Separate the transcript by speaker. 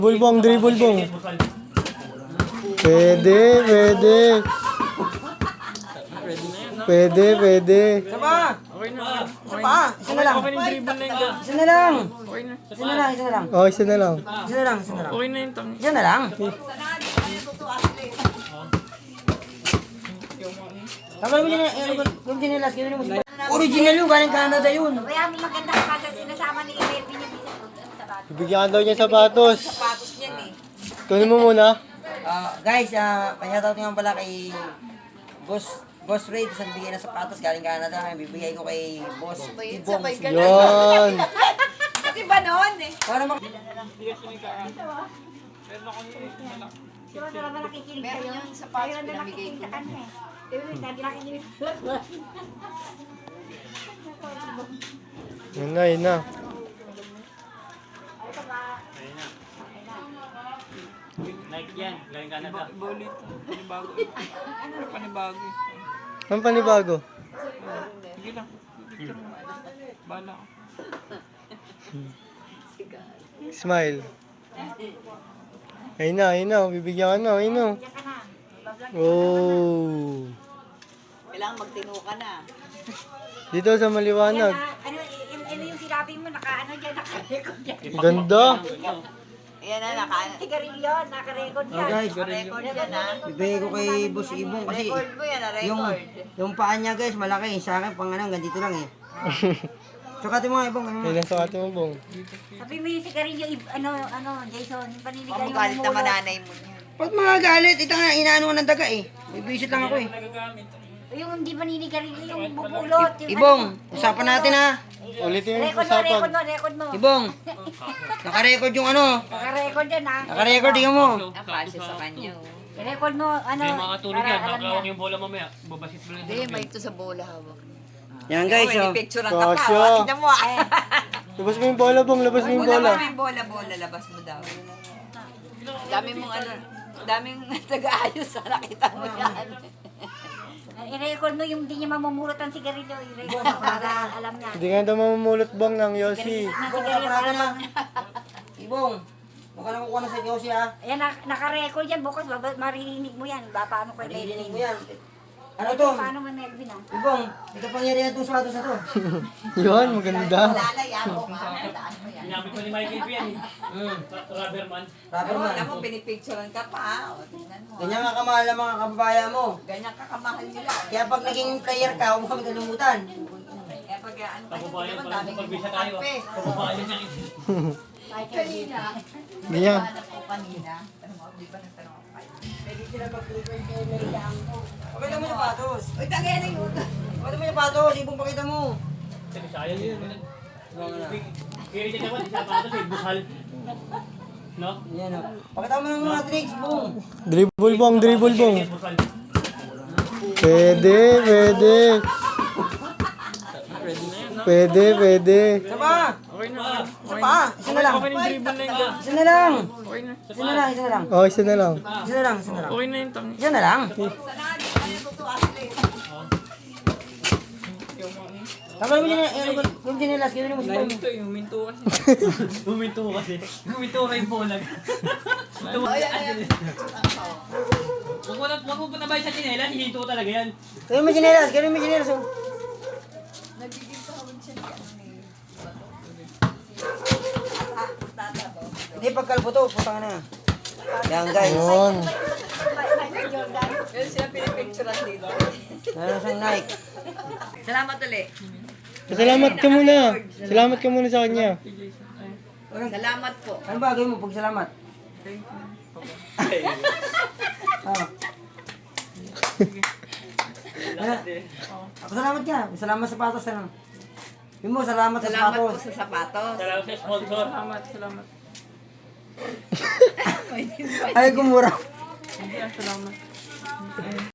Speaker 1: Bulbong, dribble bong. Pwede, pwede. Pwede, pwede.
Speaker 2: Isa pa!
Speaker 3: Okay na.
Speaker 2: Isa pa! Isa na lang!
Speaker 3: Okay na yung dribble na yun.
Speaker 2: Isa na lang!
Speaker 3: Okay na.
Speaker 2: Isa na lang, isa na lang.
Speaker 1: Oh, isa na lang.
Speaker 2: Isa na lang, isa na lang.
Speaker 3: Okay na yung tang.
Speaker 2: Isa na lang. Tama mo dyan, yung chinelas, gano'n mo. Original yung, galing Canada yun.
Speaker 4: Kaya may maganda ka kasi sinasama ni Iber pinibisa sa bato.
Speaker 1: Bibigyan daw niya sapatos.
Speaker 4: Sapatos niyan eh.
Speaker 1: Kunin mo muna.
Speaker 2: Guys, panyataw nga pala kay Boss Ray, sa bigay na sapatos galing Canada. Bibigay ko kay Boss Ibong.
Speaker 1: Yun.
Speaker 4: Kasi ba noon eh?
Speaker 2: Para mak...
Speaker 4: Di ba talaga nakikinig kayo? Meron yung sapatos pinamigay ko. Sa kanya eh. Di ba sabi nakikinig?
Speaker 1: Yun na, yun na.
Speaker 3: Nike yan. Galing Canada. Iba ulit. Panibago. Panibago.
Speaker 1: Ang panibago.
Speaker 3: Sige lang. Bala ko.
Speaker 1: Smile. Ayun na, ayun na. Bibigyan ka na, ayun na. Oh.
Speaker 4: Kailangan magtino ka na.
Speaker 1: Dito sa maliwanag.
Speaker 4: Ano yung sinabi mo? Naka-ano dyan? Naka-record dyan.
Speaker 1: Ganda.
Speaker 4: Ayan na, naka-sigarilyo. Naka-record yan.
Speaker 2: guys,
Speaker 4: Naka-record yan ha.
Speaker 2: bibigay ko kay Boss Ibong kasi
Speaker 4: Record mo yan,
Speaker 2: yung paa niya guys, malaki. Sa akin, pang ano, ganito lang eh. Sukatin mo nga Ibong.
Speaker 1: Kailan sa ating mo, Bong?
Speaker 4: Sabi mo yung sigarilyo, Jason, yung paniligaw yung
Speaker 5: Magalit na
Speaker 4: mumulo.
Speaker 5: mananay mo niya.
Speaker 2: Ba't mga galit? Ito nga, inaano ko ng daga eh. Bibisit lang ako eh.
Speaker 4: Yung hindi paniligarilyo, yung bubulot. Yung
Speaker 2: Ibong, usapan natin ha.
Speaker 1: Ulitin yung
Speaker 4: Record mo,
Speaker 1: usapan.
Speaker 4: record mo.
Speaker 2: Ibong, naka-record yung ano.
Speaker 4: Naka-record yan ha.
Speaker 2: Naka-record, tingnan mo.
Speaker 5: Nakasya sa kanya.
Speaker 4: I-record mo, ano,
Speaker 3: Hindi makatulog yan.
Speaker 4: para alam
Speaker 3: Nakakawak
Speaker 4: niya.
Speaker 3: yung bola mamaya. Babasit mo lang.
Speaker 5: Hindi, may ito sa bola hawak.
Speaker 2: Yan guys,
Speaker 5: May
Speaker 2: oh.
Speaker 5: picture ang kapa.
Speaker 1: Kasya.
Speaker 5: Oh, tignan mo ah.
Speaker 1: Labas mo yung bola, Bong. Labas mo yung bola.
Speaker 5: Labas mo yung bola, labas mo daw. Dami mong ano, daming taga-ayos sa nakita mo yan.
Speaker 4: I-record mo yung hindi niya mamumulot ang sigarilyo. I-record mo para alam niya.
Speaker 1: Hindi nga daw mamumulot, Bong, ng Yossi.
Speaker 4: Ng
Speaker 2: Ibong,
Speaker 4: sigarilyo
Speaker 2: kaprado
Speaker 4: para
Speaker 2: na. Ibong, huwag ka na kukuha na sa Yossi ha.
Speaker 4: Ayan, naka-record yan. Bukas, maririnig mo yan. Paano ko
Speaker 2: Maririnig
Speaker 4: i-record
Speaker 2: mo yan. Ano to?
Speaker 4: Paano mo Melvin ah?
Speaker 2: Ibong, ito pangyarihan itong sapatos na to.
Speaker 1: Yun, maganda.
Speaker 5: Lalaya mo nga. Daan mo yan.
Speaker 3: Sinabi ko ni Michael P. yan eh. Rubberman.
Speaker 2: Rapper man.
Speaker 5: Alam mo, pinipicturean ka pa. O, tingnan mo.
Speaker 2: Ganyan nga kamahal ng mga kababayan mo.
Speaker 5: Ganyan kakamahal nila.
Speaker 2: Kaya pag naging player ka, huwag kami kalimutan.
Speaker 5: Kaya pag ano kasi
Speaker 3: Kababayan
Speaker 5: naman
Speaker 3: pala.
Speaker 5: daming
Speaker 3: Pagbisa tayo.
Speaker 5: kampe.
Speaker 3: Kababayan niya.
Speaker 5: Kanina.
Speaker 1: Ganyan.
Speaker 5: Hanap ko kanina. Ano mo, di ba nagtanong ako kayo?
Speaker 2: Pwede sila mag-record kay Meriang mo. Pakita mo yung patos.
Speaker 5: Uy, tagay na yun.
Speaker 2: Pakita mo yung patos, Ibong pakita mo.
Speaker 3: Sayang yun. Kaya niya naman, isa pa ito si Busal. No?
Speaker 2: Yan o. Pakita mo ng mga tricks, Bong.
Speaker 1: Dribble, Bong. Dribble, Bong.
Speaker 3: Busal.
Speaker 1: Pwede, pwede. Pwede, pwede.
Speaker 2: Isa pa!
Speaker 3: Okay na.
Speaker 2: Isa pa! Isa na lang!
Speaker 3: Okay na yung dribble na yun.
Speaker 2: Isa na lang!
Speaker 3: Okay na.
Speaker 2: Isa na lang, isa na lang.
Speaker 1: Oh, isa na lang.
Speaker 2: Isa na lang, isa na lang.
Speaker 3: Okay na yung tang.
Speaker 2: Isa na lang. Tama mo dyan, yung chinelas, gano'n mo sa
Speaker 3: Ito yung minto kasi. Huminto kasi. Huminto ka yung bola. Huwag mo patabay sa chinela, hihinto talaga yan.
Speaker 2: Gano'n mo chinelas, gano'n mo chinelas. Oh. Hindi, pagkalbo to, putang na. Yan guys.
Speaker 1: Yun.
Speaker 5: Ganyan sila pinipicturean dito.
Speaker 2: Meron siyang Nike.
Speaker 5: Salamat ulit.
Speaker 1: Salamat ka muna. Salamat ka muna sa kanya.
Speaker 5: Salamat po.
Speaker 2: Ano ba gawin mo pag salamat? Ah. Salamat ka. Salamat sa patos na. Yun mo, salamat sa
Speaker 5: Salamat po
Speaker 2: patos.
Speaker 5: sa sapatos.
Speaker 3: Salamat sa sponsor. Salamat.
Speaker 2: Ay, gumura.
Speaker 3: Salamat.